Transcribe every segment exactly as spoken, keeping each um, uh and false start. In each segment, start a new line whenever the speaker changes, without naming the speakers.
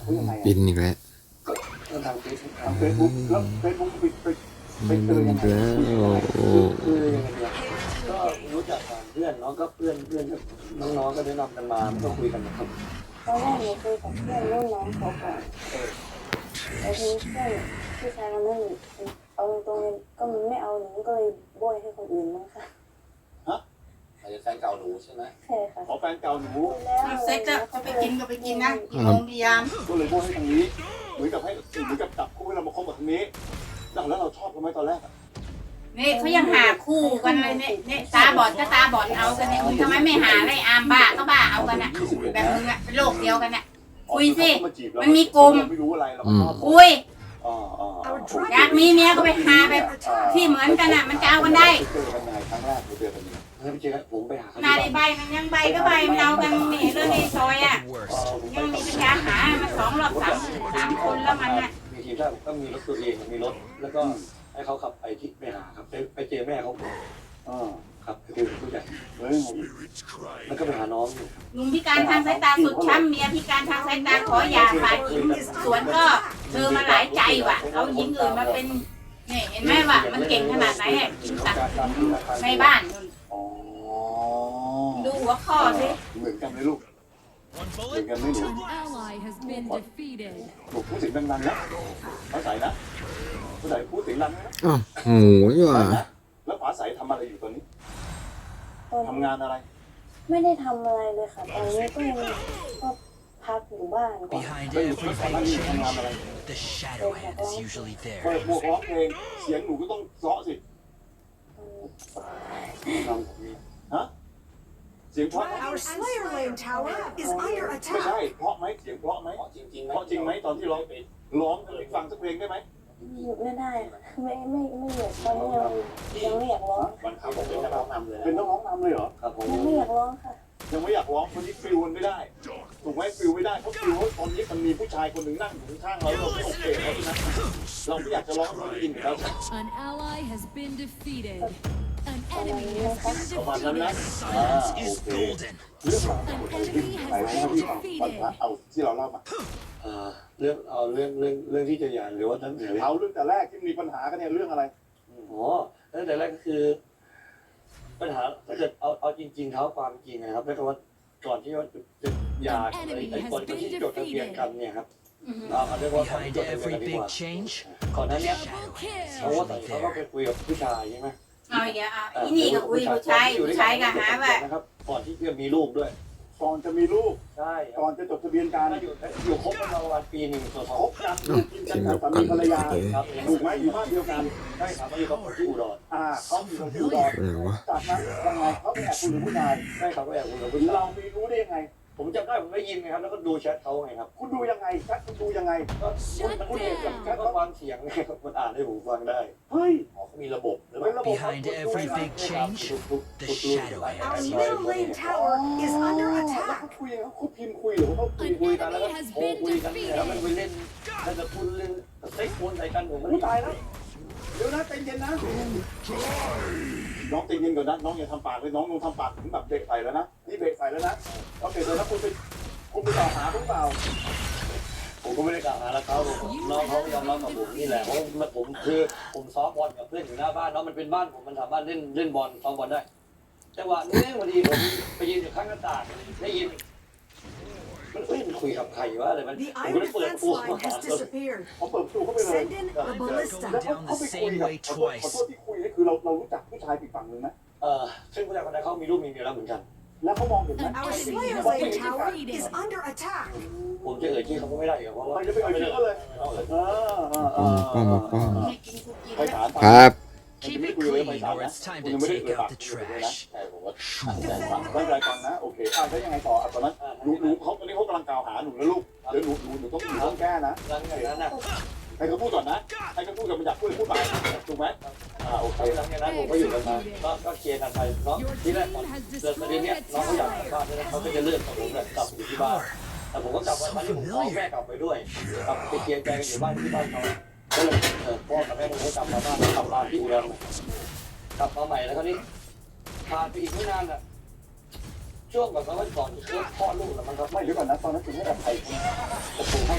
เขายังไง
บินอีกแล้ว
ก็ทางเฟซทางเฟซบุ๊กแล้วเฟซบุ๊กไปไปไปเจอยังไง
คือยังไงเนี่ยก็รู้จักผ่านเพื่อนเนาะก็เพื่อนเพื่อนน้องๆก็แนะนำกันมาก็คุยกันนะครับ
ตอนแรกหนูคุยกับเพื่อนรุ่นน้องเขาก่อนแล้วทีนี้เพื่อนผู้ชายคนนั้นเอาตรงๆก็มันไม่เอาหนูก็เลยโบยให้คนอื่นมั้งค่ะ
ฮะ
อาจจะแฟนเก่าหนูใช่ไหม
ใช่ค่ะ
ขอแฟนเก่าหนู
เอาเซ็กจะจะไปกินก็ไปกินนะกี่โมงกี่ยาม
ก็เลยโบยให้ทางนี้เหมือนกับให้เหมือนกับจับคู่ให้เรามาคบกับทางนี้แล้วเราชอบกันไหมตอนแรก
นี่เขายังหาคู่กันเลยเนี่ยเนี่ยตาบอดก็ตาบอดเอากันเนี่ยมึงทำไมไม่หาไรอามบ้าก็บ้าเอากันอ่ะแบบมึงอ่ะเป็นโรคเดียวกันอ่ะคุยสิมันมีกลุ่ม
ไม่รู้อะไรเราชอบ
คุย
อ๋ออ๋อ
อยากมีเมียก็ไปหาแบบที่เหมือนกันอ่ะมันจะเอากันได้
เจอกันยังไงครั้งแรกเจอกันยังไง
เฮ้ยไม่เจอผมไปหาเขา
หนาในใบมันยังใบก็ใบมันเอากันนี่เรื่องในซอยอ่ะยังมีปัญญาหามาสองรอบสามสามคนแล้วมันอ่ะ
มีทีมชาติก็มีรถตัวเองมีรถแล้วก็ให้เขาขับไปที่ไปหาครับไปไปเจอแม่เขา
อ๋อ
ครับไปคุยกับผู้ใหญ่
เฮ้ย
แล้วก็ไปหาน้องอยู่
ลุงพิการทางสายตาสุดช้ำเมียพิการทางสายตาขอหย่าฝ่ายหญิงสวนก็เธอมาหลายใจว่ะเอาหญิงอื่นมาเป็นนี่เห็นไหมว่ามันเก่งขนาดไหนอ่ะกินตักในบ้านนู่น
อ๋อ
ดูหัวข้อสิ
เหมือนกันไหมลูกเหมือนกันไหมหนู
An ally has been defeated.
หนูพูดเสียงดังๆนะฟ้าใสนะฟ้าใสพูดเสียงดังนะ
อ้าวโหยว่ะ
แล้วฟ้าใสทำอะไรอยู่ตอนนี้ทำงานอะไร
ไม่ได้ทำอะไรเลยค่ะตอนนี้ก็ยังก็พักอยู่บ้านก่อน
Behind
ก็อยู่
every
ที่ก่อนหน้า
big
นี้ทำงาน
change,
อะไร
the shadow hand is usually
เปิด
there.
หมวกร้องเพลงเสียงหนูก็ต้องเซาะสิฮะเสียงเพราะ
Our Slayer Lane Tower is under
ไม่
attack.
ใช่เพราะไหมเสียงเพราะไหม
จริงๆ
เพราะจริงไหมตอนที่ร้องไปร้องให้ฟังสักเพลงได้ไหม
หยุดไม่ได้ค่ะไม่ไม่ไม่หยุดตอนนี้ยังยังไม่อยากร้อง
วันเขาผมเป็นนักร้องนำเลย
เป็นนักร้องนำเลยเหรอ
ครับผม
ยังไม่อยากร้องค่ะ
ยังไม่อยากร้องคนนี้ฟิลมันไม่ได้ถูกไหมฟิลไม่ได้เพราะฟิลว่าตอนนี้มันมีผู้ชายคนหนึ่งนั่งอยู่ข้างเราเราไม่โอเคเพราะฉะนั้นเราไม่อยากจะร้องเราได้ยินอยู่แล้ว
An ally has been defeated. An
ประมาณ
enemy
นี้นะ
has
คะ
been
ประมาณนั้นนะ
defeated.
อ่า
Silence
โอ
is
เค
golden.
เรื่องราวที่ไหนนะพี่ฟังวันพระเอาที่เราเล่ามา
เอ่อเรื่องเอาเรื่องเรื่องเรื่องที่จะหย่าหรือว่าทั้งเรื่อง
เอาเรื่องแต่แรกที่มีปัญหากันเนี่ยเรื่องอะไร
อ๋อตั้งแต่แรกก็คือ ปัญหาถ้าเกิดเอาเอาจริงๆเท้าความจริงนะครับแล้วก็ว่าก่อนที่ว่าจะหย่าไอ้ไอ้ก่อนที่จดทะเบียนกันเนี่ยครับเอาเอาเรียกว่าก่อนที่
Behind
จดทะเบียน
every
กันดีก
big
ว่า
change,
ก่อนหน้านี้
Double
เขาว่า
kill.
เขาก็ไปคุยกับผู้ชายใช่ไหม
เอาอีกแล้วอ่ะอีนี่ก็คุยผู้ชายผู้ชายก็หาว่า
นะครับก่อนที่จะมีลูกด้วย
ก่อนจะมีลูก
ใช่ค
ก่
รั
อบ นจะจดทะเบียนกัน
ถ้าอยู่อยู่คบกันมาประมาณปีหนึ่งต่อส
ค
อง
บกันอยู่กินกันกับสามีภรรยา
ครับ
ถูกไหมอยู่บ้านเดียวกัน
ใช่ครับมาอยู่กับคนที่อุดร
อ่าเขาอยู่กับที่อุดร
อะไรวะ
จากนั้นยังไงเขาไปแอบคุยกับผู้ชาย
ใช่ครับก็แอบคุยกับผู้ชาย
เรามีรู้ได้ยังไง
ผมจำได้ผมได้ยินไงครับแล้วก็ดูแชทเขาไงครับ
คุณดูยังไงแชทคุณดูยังไง
ก็มันพูดเองกับแชทก็ฟังเสียงไงครับมันอ่านให้ผมฟังได้
เฮ้ย
อ๋อเขามีระบบหรือเป
เป็น
ล่า
ระบบ
behind every big change, the shadow
Our
hand is
Middle Lane Tower is under
แล้ว
attack.
เขาคุยเขาคุยพิมพ์คุยหรือว่าเขาคุย
An
คุยกันแล้วก็
enemy has
โทร
been
คุยกันเนี่ยแล้วมัน
defeated.
ไปเล่นแล้วจะพูดเรื่องเซ็กซ์โฟนใส่กันผมไม่
ผู้
ได้
ตายแล้วเดี๋ยวนะใจเย็นนะน้องใจเย็นก่อนนะน้องอย่าทำปากเลยน้องน้องทำปากถึงแบบเบรกใส่แล้วนะนี่เบรกใส่แล้วนะโอเคเลยนะคุณไปคุณไปต่อหาหรือเปล่า
ผมก็ไม่ได้กล่าวหาแล้วเขาน้องเขายอมรับกับผมนี่แหละเพราะว่าผมคือผมซ้อมบอลกับเพื่อนอยู่หน้าบ้านเนาะมันเป็นบ้านผมมันสามารถเล่นเล่นบอลซ้อมบอลได้จังหวะนี้พอดีผมไปยืนอยู่ข้างหน้าต่างได้ยินมันเอ้ยมันคุยกับใครวะอะไรมัน
The
ผมก็
iron
เลยเปิด
defense
ประตู
line has disappeared.
เขาเปิดประตูเข้าไปเลย
Send in the
แล้ว
ballista.
เขาเขาไปคุยกับขอโทษขอโทษที่คุยนี่คือเราเรารู้จักผู้ชายอีกฝั่งหนึ่งไหม
เออซึ่งผู้ชายคนนั้นเขามีลูกมีเมียแล้วเหมือนกัน
แล้วเขามองเห็นไหม
An
Our
enemy
Slayer
has
Lane
been
Tower
defeated.
is under attack.
ผมจะเอ่ยชื่อเขาก็ไม่ได้อยู่เพราะว่า
มันจะไปเอ่ยชื่อเขาเลย
เอาเลย
เออเออเออ
ป้อมมาป้อม
ให้กินกูกิน
ไป
แล้ว
ถาม
ครับ
keep it clean or it's time to take out the trash.
ใช่ผมว่า
ไม่เป็นไรฟังนะโอเคอ่ะแล้วยังไงต่ออ่ะตอนนั้นหนูหนูเขาตอนนี้เขากำลังกล่าวหาหนูนะลูกเดี๋ยวหนูหนูหนูต้องหนูต้องแก้นะ
หลังจากนั้นนะ
ให้เขาพูดก่อนนะให้เขาพูดกับมันอยากพูดพูดไปถูกไหมอ่าโอเค
หลังจากนั้นผมก็อยู่กันมาก็ก็เคลียร์กันไปเนาะที่แรกตอนเกิดประเด็นเนี้ยน้องเขาอยากกลับบ้านแล้วเขาก็จะเลื่อนกับผมแบบกลับอยู่ที่บ้านแต่ผมก็กลับวันที่ผมฟ้องแม่กลับไปด้วยกลับไปเคลียร์ใจกันอยู่บ้านที่บ้านเขาก็เลยเออพ่อกับแม่ผมก็กลับมาบ้านกลับมาที่อุดรกลับมาใหม่แล้วคราวนี้ผ่านไปอีกไม่นานอ่ะช่วงแบบว่าก่อนที่เขาคลอดลูกแล้วมันก็
ไม่เดี๋ยวก่อนนะตอนนั้นคุณให้กับใคร
ผมให้ครับ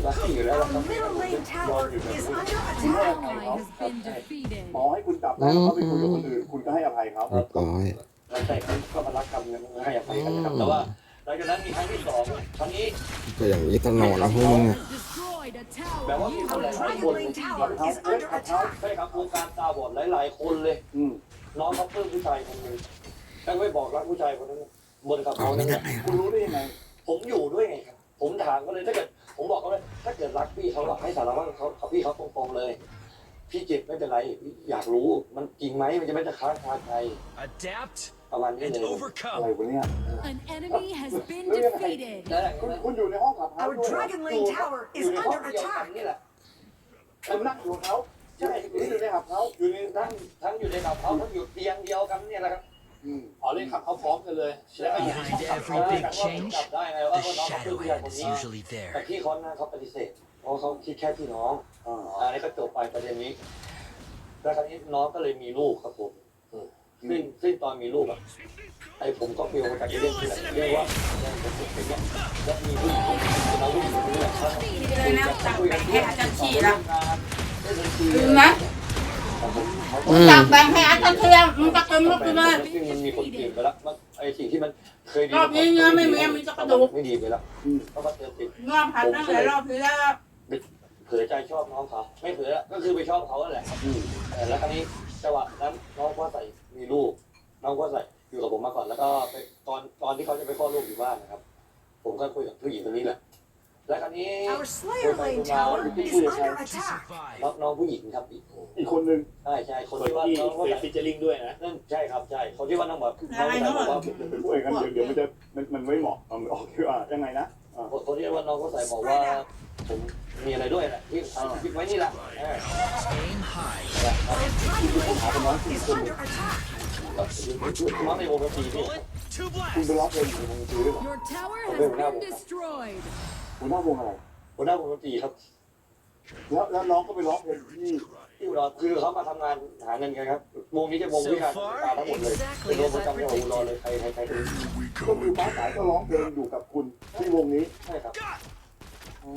รักพี่อยู่แล้ว
Our
เราต้อง
middle lane tower is under
An
attack.
ally has been defeated.
หมอให้คุณจับแล้วเขาไปคุยกับคนอื่นคุณก็ให้อภัยเขา
เรียบร้อย
เราแต่ก็มารักกันเนี่ยให้อภัยกันนะครับแต่ว่าหลังจากนั้นมีครั้งที่สองครั้งนี้
ก็อย่างนี้ตลอดแล้วพวกมึงอะ
Destroyed a
แบบว่า
tower.
มีคนห
Our
ลายๆคน
Dragon Lane Tower is under attack.
ใช่ครับวงการตาบอดหลายๆคนเลย
อืม
น้องเขาเพิ่มผู้ชายคนหนึงแล้วไม่บอกรักผู้ชายคนนั้นบนกับเขานั่นแหละ
คุณรู้ได้ยังไง
ผมอยู่ด้วยไงครับผมถามก็เลยถ้าเกิดผมบอกเขาเลยถ้าเกิดรักพี่เขาอะให้สารวัตรเขาเขาพี่เขาตรงๆเลย พี่เจ็บไม่เป็นไรอยากรู้มันจริงไหมมันจะไม่จะค้างคาใจ
Adapt
ประมาณนี้
and
เลย
อะไร
overcome.
วะเนี่ย
An enemy has been defeated.
นั่นแหละ
คุณคุณอยู่ในห้องขับเฮา
Our
ด้วย
Dragon Lane Tower
อยู่
is
ในห้อง
under
เดียวกัน
attack.
นี่แหละ
คุณนั่งอยู่กับเขา
ใช่
หรืออยู่ในขับเฮา
อยู่ในทั้งทั้งอยู่ในกับเขาทั้งอยู่เตียงเดียวกันเนี่ยแหละครับ
อืม
อ๋อเล่นขับเขาพร้อมกันเลยแล้วก็อยู่
Behind every big change,
จับได้ไงว่า
the
น้องเขาเป็นผู้ชายคน
shadowhead is
นี้
usually
แต่
there.
พี่เขานะเขาปฏิเสธเพราะเขาคิดแค่พี่น้อง
อ่า
อันนี้ก็จบไปประเด็นนี้ แล้วคราวนี้น้องก็เลยมีลูกครับผมอืมซึ่งซึ่งตอนมีลูกอะไอ้ผมก็เฟียวมาจากเรื่องที่ไหนเรียกว่าเนี่ยผมเป็นเนี่ยแล้วมีลูกคนนึงเราลูกคนนี้แหละครับ
เลยนะจับแบ่งให้อาจารย์ชีละ
ได้บัญชี
ลืมนะ
อืม
จับแบ่งให้อาจารย์เทียมมึงจะเต็มลูกเลย
ซึ่งมันมีคนเปลี่ยนไปแล้วมันไอ้สิ่งที่มันเคยดี
รอบนี้เนื้อไม่มีมีแต่กระดูก
ไม่ดีไปแล้วก็มาเติมติด
งอผัดตั้งแต่รอบที่แล้ว
เผลอใจชอบน้องเขาไม่เผลอก็คือไปชอบเขาแหละเออแล้วคราวนี้จังหวะนั้นน้องก็ใส่มีลูกน้องก็ใส่อยู่กับผมมาก่อนแล้วก็ไปตอนตอนที่เขาจะไปคลอดลูกอยู่บ้านนะครับ ผมก็คุยกับผู้หญิงคนนี้แหละแล้วคราวนี้
Our Slayer Lane Tower is under attack.
น้องน้องผู้หญิงครับอีก
อีกคนนึง
ใช่ใช่คนที่ว่าน้องว่าฟิชเชอร์ลิงด้วยนะนั่นใช่ครับใช่คนที่ว่าน้องแบบน้องบอกว่า
เป็นผู้เอกกันเดี๋ยวเดี๋ยวมันจะมันมันไม่เหมาะเอาออกคืออ่ายังไงนะอ่า
คนที่ว่าน้องก็ใส่บอกว่าผมมีอะไรด้วยแหละที่คิดไว้นี่แหละ
Aim high.
Our Dragon Lane Tower is under attack.
น้องในวงดนตรีนี่
Bullet, two
คุณ
blasts.
ไปร้องเพลงอยู่วงดนตรีด้วยเหรอ
Your tower has been destroyed.
หัวหน้าวงอะไร
หัวหน้าวงดนตรีครับ
แล้วแล้วน้องก็ไปร้องเพลงที่
ที่อุดรคือเขามาทำงานหาเงินกันครับวงนี้จะวงวิชาการทั้งหมดเลยเป็นวงประจำจังหวัดอุดรเลยใครใครใคร
ก็คือป้าสายก็ร้องเพลงอยู่กับคุณที่วงนี้
ใช่ครับ
อ๋อ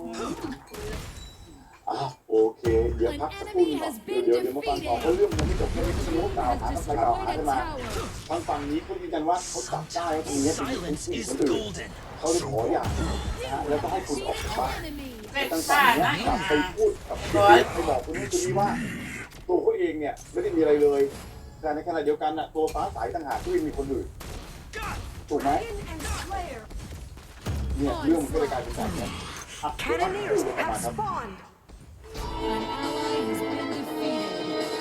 อ่ะโอเค เดี๋ยวพักสักครู่หนึงก่อนเดี๋ยวเดี๋ยวเดี๋ยวมาฟังต่อเพราะเรื่องมันไม่จบแค่นี้คุณรู้กล่าวหา
Has
ทำไมกล่าวหา
destroyed
ขึ้น
a
มา
tower.
ทางฝั่งนี้เขายืนยันว่าเขาจับได้ว่าตรงนี้เป็นผู้
Silence
หญิง
is
คนอื่น
golden.
เขาเลยขอหย่านะฮะแล้วก็ให้คุณออกจากบ้าน
Enemy.
เป็น
ทาง
ซ่า
ฝั่งเนี้ย
นะ
กลับไปพูดกับคุณไปบอกคุณนู้นคนนี้ว่า ตัวเขาเองเนี่ยไม่ได้มีอะไรเลย แต่ในขณะเดียวกันน่ะตัวฟ้าใสต่างหากที่มีคนอื่นถูกไหม
Dragon and Slayer.
เนี่ยเรื่องมันก็เลยกลายเป็นแบบนี้อ่ะเดี๋ยวพักสักครู่
Cannoneers
เดี๋ยวกลับ
have
มาครับ
spawned.
An ally has been defeated.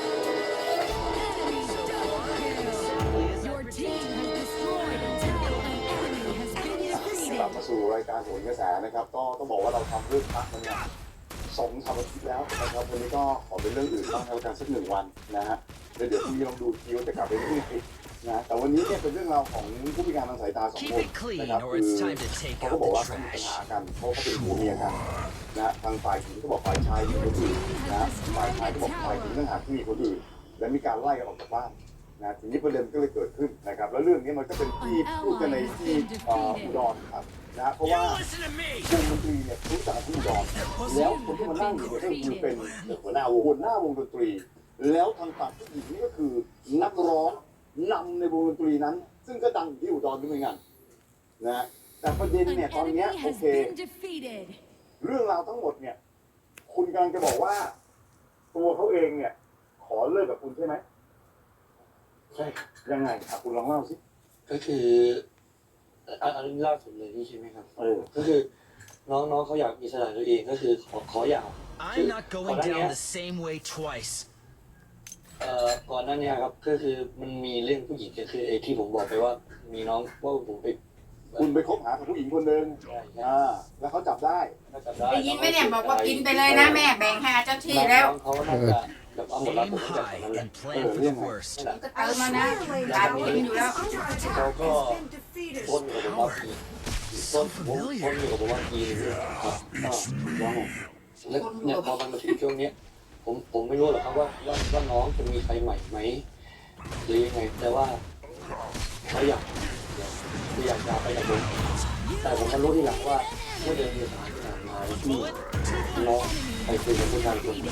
Enemy double kill. Your team has destroyed a tower. An enemy has been
กลับ
defeated.
มาสู่รายการโหนกระแสนะครับ ก็ต้องบอกว่าเราทำเรื่องพักมันเนี่ยสองสามอาทิตย์แล้วนะครับวันนี้ก็ขอเป็นเรื่องอื่นบ้างแล้วกันสักหนึ่งวันนะฮะแล้วเดี๋ยวพรุ่งนี้ลองดูทีว่าจะกลับไปเรื่องไหนนะแต่วันนี้เนี่ยเป็นเรื่องราวของผู้พิการทางสายตาสอง
Keep
คน
it clean
นะครับ
or
คือ
it's time to take
เขาก็
out
บอก
the
ว่าเขามีปัญ
trash.
หากันเพราะเขาเป็นผัวเมียกันนะทางฝ่ายหญิงก็บอกฝ่ายชายมีคนอื่นนะฝ่ายชายก็บอกฝ่ายหญิงต่างหากที่มีคนอื่น และมีการไล่กันออกจากบ้านนะทีนี้ประเด็นก็เลยเกิดขึ้นนะครับแล้วเรื่องนี้มันก็เป็นที่พูดกันในที่เอ่ออุดรครับนะเพราะ
You
ว่า
listen to me.
วงดนตรีเนี่ยรู้จักที่อุดรแล้วคนที่มานั่งอยู่เนี่ยก็คือเป็นหัวหน้าวงหัวหน้าวงดนตรี แล้วทางฝั่งผู้หญิงนี่ก็คือนักร้องนำในวงดนตรีนั้น ซึ่งก็ดังอยู่ที่อุดรด้วยเหมือนกันนะแต่ประเด็น
An
เนี่ยตอน
enemy
เนี้ยโอ
has
เค
been defeated.
เรื่องราวทั้งหมดเนี่ย คุณกำลังจะบอกว่า ตัวเขาเองเนี่ย ขอเลิกกับคุณใช่ไหม
ใช่
ยังไงอ่ะคุณลองเล่าสิ
ก็คืออันอันนี้ล่าสุดเลยนี่ใช่ไหมครับ
เออ
ก็คือน้องน้องเขาอยากมีสถานตัวเองก็คือขอขออย่า
I'm not going down the same way twice.
เอ่อก่อนหน้านี้ครับก็คือมันมีเรื่องผู้หญิงก็คือไอ้ที่ผมบอกไปว่ามีน้องว่าผมไป
คุณไปคบหากับผู้หญิงคนหนึ่ง
ใช่ใช่
อ่า แล้วเขาจับได้
น่าจะได้
ได้ยินไหมเนี่ยบอกว่ากินไปเลยนะแม่แบ่งให้อาจารย์ชีแล้ว
น้องเขาน่าจะแบบเอาหมดแล้ว
Aim
ผมก็จะ
high
นั้นแหละ
and plan for the worst.
นั่นแหละ
ก็เติ
Our
มมานะ
Slayer Lane
การ
Tower
กินอยู่แล้ว
is under attack.
Go, go.
Has been defeated.
ต้นอยู่กับผมว่าปีต้นผมต้นอยู่กับผมว่าปีนึงครับก็แล้วเนี่ยพอมันมาถึงช่วงเนี้ยผมผมไม่รู้หรอกครับว่าว่าว่าน้องจะมีใครใหม่ไหมหรือยังไงแต่ว่าเขาอยากคืออยากจะไปกับผมแต่ผมก็รู้ที่หลังว่าเมื่อเดือนเมษายนมาที่น้องไปคุยกับผู้ชายคนนึง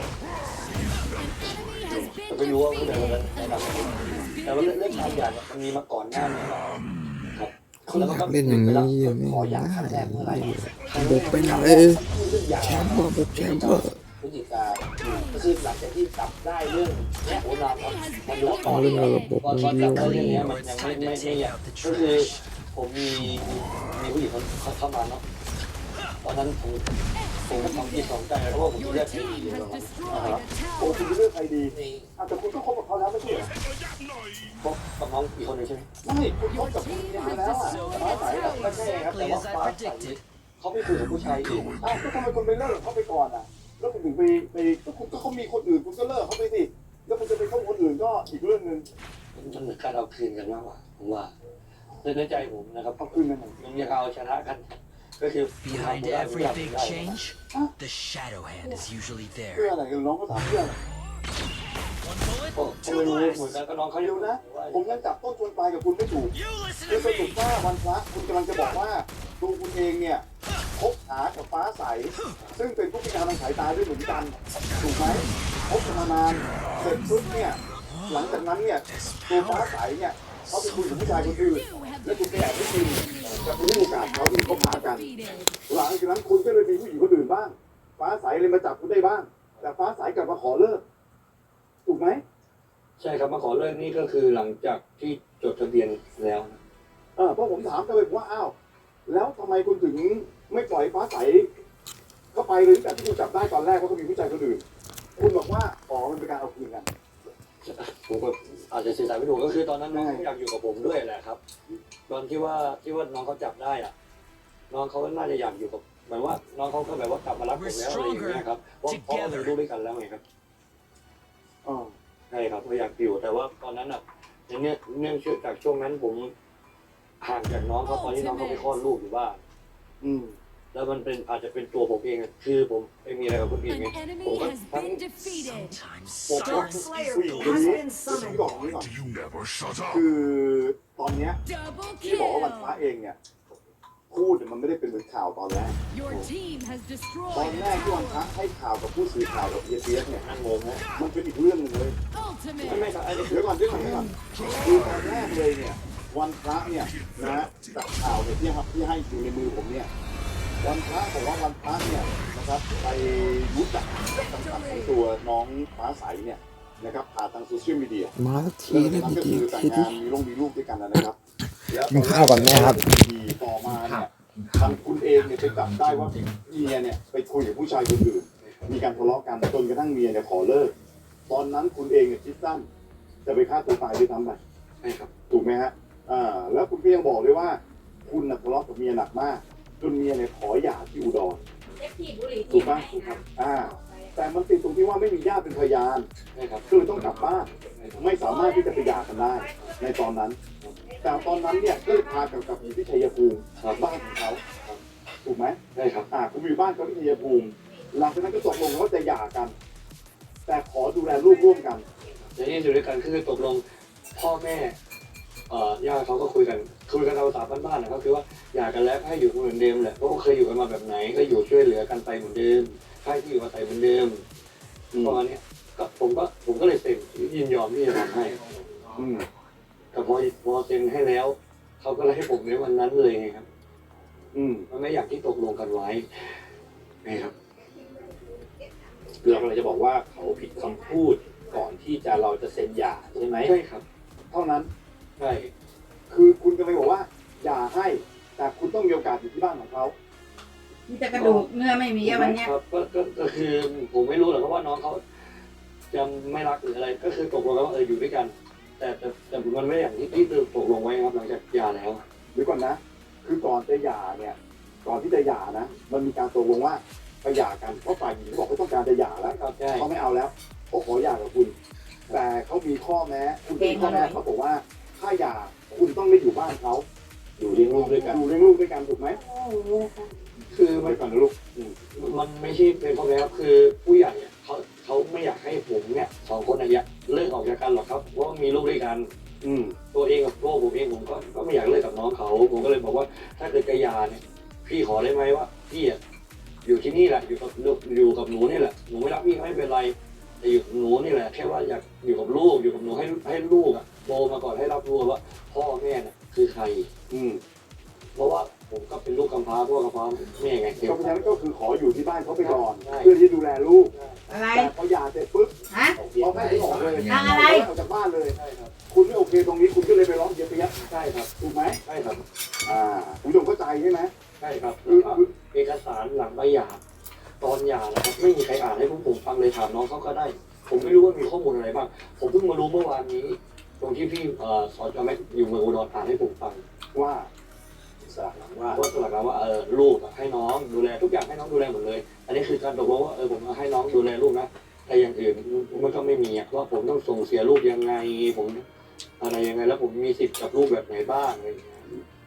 แต่ไม่รู้ว่าผู้ชายคนนั้นแนะนำอะไรแต่ว่าเรื่องการหย่าเนี่ยมันมีมาก่อนหน้านี้ครับ
เขาอยากเล่นอย่างนี้อยู่ไม่
ขอหย่าครั้งแร
ได้
กเมื่อไหร่
บุกไปไหนแชมป์เปอร์บุกแชมป์เปอร์
พฤศจิกาก็คือหลังจากที่จับได้เรื่องเนี้ยโอ้นานครับมันรู้
เอาเรื่องระบบ
ตอน
มัน
ตอน
เย
จับ
อะ
ได้เรื่องเนี้ยมันยังไม่ไม่ไม่อยากก็คือผมมีมีผู้หญิงคนเข้ามาเนาะตอนนั้นผมผมก็ทำที่สองใจเพราะว่าผม
Your
เลือก
team
ที่ดี
has
เลย
destroyed a
โอ้
tower.
คุณจะเลือกใครดีอ่ะแต่คุณก็คบกับเขาแล้วไม่ใช่เหรอ
เพราะกับน้องอีกคนหนึ่งใช่ไหม
ไม่คุณคบกับคุณยาแล้วอ่ะฟ้าใสอ่ะ
ไม่ใช่ครับแต่ว่าฟ้าใสเขาไปคุยกับผู้ชายอีก
อ้าวก็ทำไมคุณไปเลิกกับเขาไปก่อนอ่ะแล้วคุณถึงไปไปก็คุณก็เขามีคนอื่นคุณก็เลิกเขาไปสิแล้วคุณจะไปคบคนอื่นก็อีกเรื่องหนึ่ง
มันเหมือนการเอาคืนกันมากกว่าผมว่าในใจผมนะครับ
เอาคืนกันหน่อย
มันอยากเอาชนะกัน ก็คือ
Behind every big change, the shadow hand is usually
เพื่อ
there.
อะไรกันน้องก็ถามเพื่ออะไร
One bullet,
ก็ไม่รู้เหมือนกันก็น้องเขาอ
เดี๋ย
ยู่
ว
นะ
นะ ผมยังจับต้นชนปลายกับคุณไม่ถูก
you listen
คือ
to
สรุป
me.
ว่าวันพระคุณกำลังจะบอกว่าตัวคุณเองเนี่ยคบหากับฟ้าใส ซึ่งเป็นผู้พิการทางสายตาด้วยเหมือนกัน ถูกไหมคบกันมานานเสร็จปุ๊บเนี่ยหลังจากนั้นเนี่ยตัวฟ้าใสเนี่ยเขาไปคุยกับผู้ชายคนอื่น
You have
และคุณไปแอบไปกิน
defeated.
จะรู้โอกาสเขาที่คบหากัน
Defeated.
หลังจากนั้นคุณก็เลยมีผู้หญิงคนอื่นบ้าง ฟ้าใสเลยมาจับคุณได้บ้าง แต่ฟ้าใสกลับมาขอเลิก ถูกไหม
ใช่ครับมาขอเลิกนี่ก็คือหลังจากที่จดทะเบียนแล้วนะ
เออเพราะผมถามกันเลยว่าอ้าวแล้วทำไมคุณถึงไม่ปล่อยฟ้าใสเข้าไปเลยแต่ที่คุณจับได้ตอนแรกว่าเขามีผู้ชายคนอื่น คุณบอกว่าอ๋อมันเป็นการเอาคืนกัน
ผมก็อาจจะสื่อสารไม่ถูกก็คือตอนนั้นน้องเขาอยากอยู่กับผมด้วยแหละครับ ตอนที่ว่าที่ว่าน้องเขาจับได้อะน้องเขาน่าจะอยากอยู่กับเหมือนว่าน้องเขาก็แบบว่ากลับมารักผมแล้วอะไรอย่างเงี้ยครับเพราะเพราะเราดูด้วยกันแล้วไงครับ
อ๋อ
ใช่ครับก็อยากอยู่แต่ว่าตอนนั้นอ่ะเนื่องเนื่องจากช่วงนั้นผมห่างจากน้องเขาตอนที่น้องเขาไปคลอดลูกอยู่บ้าน
อืม
แล้วมันเป็นอาจจะเป็นตัวผมเองอะคือผมไปมีอะไรกับคนอื่น
An
ไง
enemy
ผมก็
has
ทั้ง
been defeated.
Sometimes
ผมก็
Dark Slayer
ผู้หญิงคน
has
นี้
been
ที่
summoned.
บอกนี้ก่อน
You never shut up.
คือตอนเนี้ย
Double
ที่บอกว่าวันพระ
kill.
เองเนี่ยพูดเนี่ยมันไม่ได้เป็นเหมือนข่าวตอนแรก
Your team has
ตอน
destroyed
แร
a
กที่วันพระ
tower.
ให้ข่าวกับผู้สื่อข่าวกับเอเซียสเนี่ย
นั่งงงนะ
มันเป็นอีกเรื่องหนึงเลย
ไม่ไม่
Ultimate.
ครับอันนี้คื
เดี๋
อ
ยวก่อนเดี๋ยวก่อนเดี๋ยวก่อนคือตอนแรกเลยเนี่ยวันพระเนี่ยนะจากข่าวเนี่ยที่ครับที่ให้อยู่ในมือผมเนี่ยวันพระบอกว่าวันพระเนี่ยนะครับไปรู้จักกับสังกัดของตัวน้องฟ้าใสเนี่ยนะครับผ่านทางโซเชียลมีเดีย
มาสักที
แล้ว
นะ
จากนั้น
พี่
ก็
ที
คือแต่ง
ที
งานมีลูกมีลูกด้วยกันนะครับแล้ว
กินข้าวก่อนไหมครับ
ต่อมาเนี่ยทางคุณเองเนี่ยไปจับได้ว่าเมียเนี่ยไปคุยกับผู้ชายคนอื่นมีการทะเลาะกันจนกระทั่งเมียเนี่ยขอเลิกตอนนั้นคุณเองเนี่ยคิดสั้นจะไปฆ่าตัวตายด้วยซ้ำไป
ใช่ครับ
ถูกไหมฮะ อ่า แล้วคุณก็ยังบอกเลยว่า คุณน่ะทะเลาะกับเมียหนักมาก จนเมียเนี่ยขอหย่าที่อุดร
เจ็บที่บุหรี่
ถูกปะถูกครับ อ่า แต่มันติดตรงที่ว่าไม่มีญาติเป็นพยาน
ใช่ครับ
ก็เลยต้องกลับบ้าน ไม่สามารถที่จะไปหย่ากันได้ ในตอนนั้น แต่ตอนนั้นเนี่ยก็เลยพากลับกลับอยู่ที่ชัยภูมิบ้านของเขา ถูกไหม
ใช่ครับ
อ่าคุณอยู่บ้านเขาที่ชัยภูมิ หลังจากนั้นก็ตกลงว่าจะหย่ากัน แต่ขอดูแลลูกร่วมกัน
ในนี้อยู่ด้วยกันคือตกลงพ่อแม่เอ่อย่าเขาก็คุยกันคุยกันเอาสามบ้านๆนะครับคือว่าอยากกันแล้วให้อยู่เหมือนเดิมแหละเพราะว่าเคยอยู่กันมาแบบไหนก็อยู่ช่วยเหลือกันไปเหมือนเดิมให้ที่อยู่อาศัยเหมือนเดิมประมาณนี้ก็ผมก็ผมก็เลยเซ็นยินยอมที่จะทำให้
อืม
แต่พอพอเซ็นให้แล้วเขาก็เลยให้ผมในวันนั้นเลยไงครับ
อืม
มันไม่อย่างที่ตกลงกันไว้นะครับ
คือเรากำลังจะบอกว่าเขาผิดคำพูดก่อนที่จะเราจะเซ็นหย่าใช่ไหม
ใช่ครับ
เท่านั้น
ใช่
คือคุณก็ไม่บอกว่าอย่าให้ แต่คุณต้องมีโอกาสอยู่ที่บ้านของเขา
มีแต่กระดูกเนื้อไม่มีอะวันเนี้ย
ครับก็ก็ก็คือผมไม่รู้หรอกเพราะว่าน้องเขาจะไม่รักหรืออะไร ก็คือตกลงกันว่าเอออยู่ด้วยกัน แต่แต่แต่มันไม่อย่างที่ที่ตกลงไว้ครับหลังจากหย่าแล้ว
หรือก่อนนะ คือก่อนจะหย่าเนี่ย ก่อนที่จะหย่านะ มันมีการตกลงว่าไปหย่ากัน เพราะฝ่ายหญิงบอกเขาต้องการจะหย่าแล้ว
ครับใช่
เขาไม่เอาแล้วเขาขอหย่ากับคุณ แต่เขามีข้อแม้ คุณมีข้อแม้เขาบอกว่า ถ้าหย่าคุณต้องไม่อยู่บ้านเขา
อยู่เลี้ยงลูกด้วยกัน
อยู่เลี้ยงลูกด้วยกันถูกไหม
อย่างนี้นะคะ
คือ
ไป
มัน
ก่อนนะลูก
มันไม่ใช่เป็นข้อแม้ครับคือผู้ใหญ่อะเขาเขาไม่อยากให้ผมเนี่ยสองคนเนี่ยเลิกออกจากกันหรอกครับเพราะว่ามีลูกด้วยกัน
อืม
ตัวเองกับตัวผมเองผมก็ก็ไม่อยากเลิกกับน้องเขา ผมก็เลยบอกว่าถ้าเกิดจะหย่าเนี่ยพี่ขอได้ไหมว่าพี่อะที่นี่แหละอยู่กับอยู่กับหนูนี่แหละหนูไม่รักพี่ไม่เป็นไรแต่อยู่กับหนูนี่แหละแค่ว่าอยากอยู่กับลูกอยู่กับหนูให้ให้ลูกอ่ะโตมาก่อนให้รับรู้ว่าพ่อแม่น่ะคือใคร
อืม
เพราะว่าผมก็เป็นลูกกำพร้าพ่อกำพร้าแม่ไงเกี่ยว
เพราะฉะนั้นก็คือขออยู่ที่บ้านเขาไปก่อน
ใช่
เพื่อที่ดูแลลูก
อะไร
แต่พอหย่าเสร็จปุ๊บ
ฮะ
เขาไม่ได้ออกเลย
ทางอะไร
ออกจากบ้านเลย
ใช่ครับ
คุณไม่โอเคตรงนี้คุณก็เลยไปร้องเยียบยับ
ใช่ครับ
ถูกไหม
ใช่ครับ
อ่าคุณผู้ชมเข้าใจใช่ไหม
ใช่ครับแล้วก็เอกสารหลังใบหย่าตอนหย่านะครับไม่มีใครอ่านให้พวกผมฟังเลยถามน้องเขาก็ได้ ผมไม่รู้ว่ามีข้อมูลอะไรบ้าง ผมเพิ่งมารู้เมื่อวานนี้ ตรงที่พี่เอ่อสจแม็กอยู่เมืองอุดรอ่านให้ผมฟัง
ว่า
สลักหลังว่า
ว่าสลักแล้วว่าเออลูกอะให้น้องดูแลทุกอย่างให้น้องดูแลหมดเลย อันนี้คือการตกลงว่าเออผมให้น้องดูแลลูกนะแต่อย่างอื่นมันก็ไม่มีอะว่าผมต้องส่งเสียลูกยังไงผมอะไรยังไงแล้วผมมีสิทธิ์กับลูกแบบไหนบ้างอะไรอย่างเงี้ย